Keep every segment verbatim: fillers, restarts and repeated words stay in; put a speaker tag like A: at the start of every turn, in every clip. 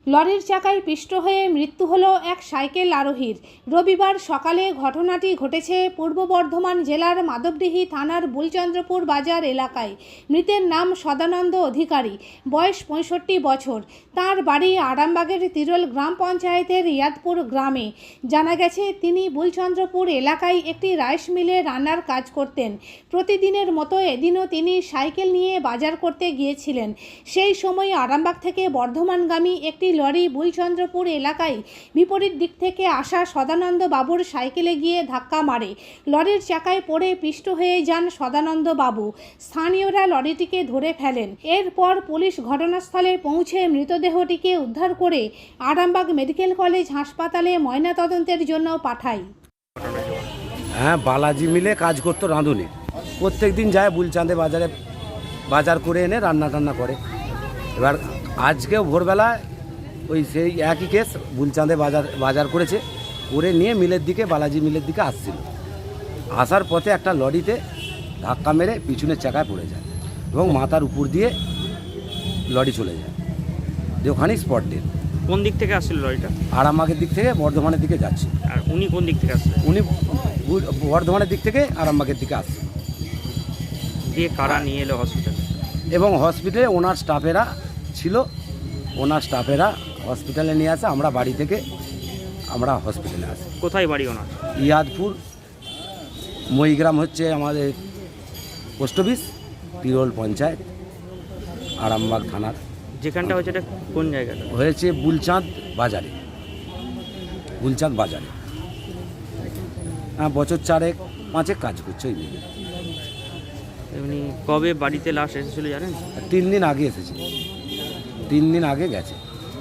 A: লরির চাকায় পিষ্ট হয়ে মৃত্যু হলো এক সাইকেল আরোহীর। রবিবার সকালে ঘটনাটি ঘটেছে পূর্ব বর্ধমান জেলার মাধবডিহি থানার বুলচন্দ্রপুর বাজার এলাকায়। মৃতের নাম সদানন্দ অধিকারী, বয়স পঁয়ষট্টি বছর। তার বাড়ি আরামবাগের তিরোল গ্রাম পঞ্চায়েতের ইয়াদপুর গ্রামে। জানা গেছে তিনি বুলচন্দ্রপুর এলাকায় একটি রাইস মিলে রান্নার কাজ করতেন। প্রতিদিনের মতো এদিনও তিনি সাইকেল নিয়ে বাজার করতে গিয়েছিলেন। সেই সময় আরামবাগ থেকে বর্ধমানগামী একটি লরি বুলচন্দ্রপুর এলাকায় বিপরীত দিক থেকে আসা সদানন্দ বাবুর সাইকেলে গিয়ে ধাক্কা মারে। লরির চাকায় পড়ে পিষ্ট হয়ে যান সদানন্দ বাবু। স্থানীয়রা লরিটিকে ধরে ফেলেন। এরপর পুলিশ ঘটনাস্থলে পৌঁছে মৃতদেহটিকে উদ্ধার করে আরামবাগ মেডিকেল কলেজ হাসপাতালে ময়নাতদন্তের জন্য পাঠায়।
B: হ্যাঁ, বালাজি মিলে কাজ করতো রাঁধুনি। প্রত্যেক দিন যায় বুলচাঁদে বাজারে বাজার করে এনে রান্না টান্না করে। এবার আজকেও ভোরবেলা ওই সেই একই কেস, বুলচাঁদে বাজার বাজার করেছে, করে নিয়ে মিলের দিকে বালাজি মিলের দিকে আসছিল। আসার পথে একটা লরিতে ধাক্কা মেরে পিছনের চাকায় পড়ে যায় এবং মাথার উপর দিয়ে লরি চলে যায়। যে ওখানেই স্পট ডেথ।
C: কোন দিক থেকে আসছিল লরিটা?
B: আরামবাগের দিক থেকে বর্ধমানের দিকে যাচ্ছে।
C: আর উনি কোন দিক থেকে আসছিলেন?
B: উনি বর্ধমানের দিক থেকে আরামবাগের দিকে আসছে।
C: দিয়ে কারা নিয়ে এলো হসপিটালে?
B: এবং হসপিটালে ওনার স্টাফেরা ছিল, ওনার স্টাফেরা হসপিটালে নিয়ে আসে। আমরা বাড়ি থেকে আমরা হসপিটালে আসি।
C: কোথায় বাড়ি ওনার?
B: ইয়াদপুর, মইগ্রাম হচ্ছে আমাদের পোস্ট অফিস, তিরোল পঞ্চায়েত, আরামবাগ থানার।
C: যেখানটা হয়েছে এটা কোন জায়গাটা?
B: হয়েছে বুলচাঁদ বাজারে, বুলচাঁদ বাজারে। হ্যাঁ, বছর চারেক পাঁচেক কাজ করছে ওই দিকে।
C: এমনি কবে বাড়িতে লাশ এসেছিল জানেন?
B: তিন দিন আগে এসেছে, তিন দিন আগে গেছে।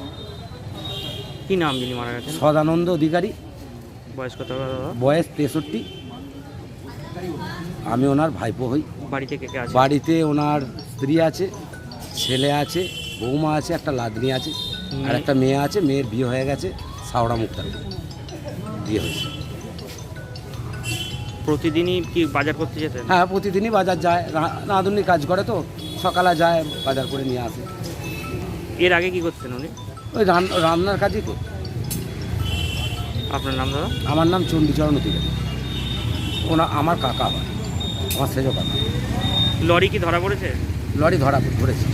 C: কি নাম যিনি মারা গেছেন?
B: সদানন্দ অধিকারী।
C: বয়স কত? দাদা
B: বয়স তেষট্টি। আমি ওনার ভাইপো হই।
C: বাড়িতে কে কে আছে?
B: বাড়িতে ওনার স্ত্রী আছে, ছেলে আছে, বৌমা আছে, একটা লাদনি আছে, আর একটা মেয়ে আছে। মেয়ের বিয়ে হয়ে গেছে, সাওড়া মুক্তার বিয়ে হয়েছে।
C: প্রতিদিনই কি বাজার করতে যেতেন?
B: হ্যাঁ, প্রতিদিনই বাজার যায়। রাঁধুনি কাজ করে তো, সকালে যায় বাজার করে নিয়ে আসে।
C: এর আগে কি করতেন উনি?
B: ওই রান্নার কাজই করত।
C: আপনার নাম দাদা?
B: আমার নাম চণ্ডীচরণ অধিকারী। ওনা আমার কাকা হয়, আমার সেজ কাকা।
C: লরি কি ধরা পড়েছে?
B: লরি ধরা পড়েছে।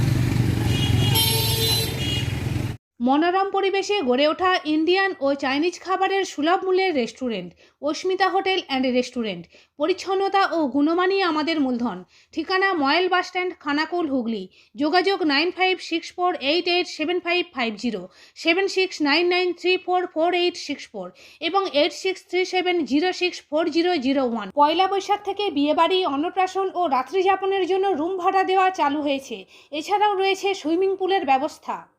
A: মনোরম পরিবেশে গড়ে ওঠা ইন্ডিয়ান ও চাইনিজ খাবারের সুলভ মূল্যের restaurant Asmita hotel and restaurant. পরিচ্ছন্নতা ও গুণমানই আমাদের মূলধন। ঠিকানা ময়েল বাসস্ট্যান্ড, খানাকুল, হুগলি। যোগাযোগ nine five six four eight eight seven five five zero, seven six nine nine three four four eight six four এবং eight six three seven zero six four zero zero one. Poila Boishakh থেকে বিয়েবাড়ি, অন্নপ্রাশন ও রাত্রিযাপনের জন্য room ভাড়া দেওয়া চালু হয়েছে। এছাড়াও রয়েছে সুইমিং পুলের ব্যবস্থা।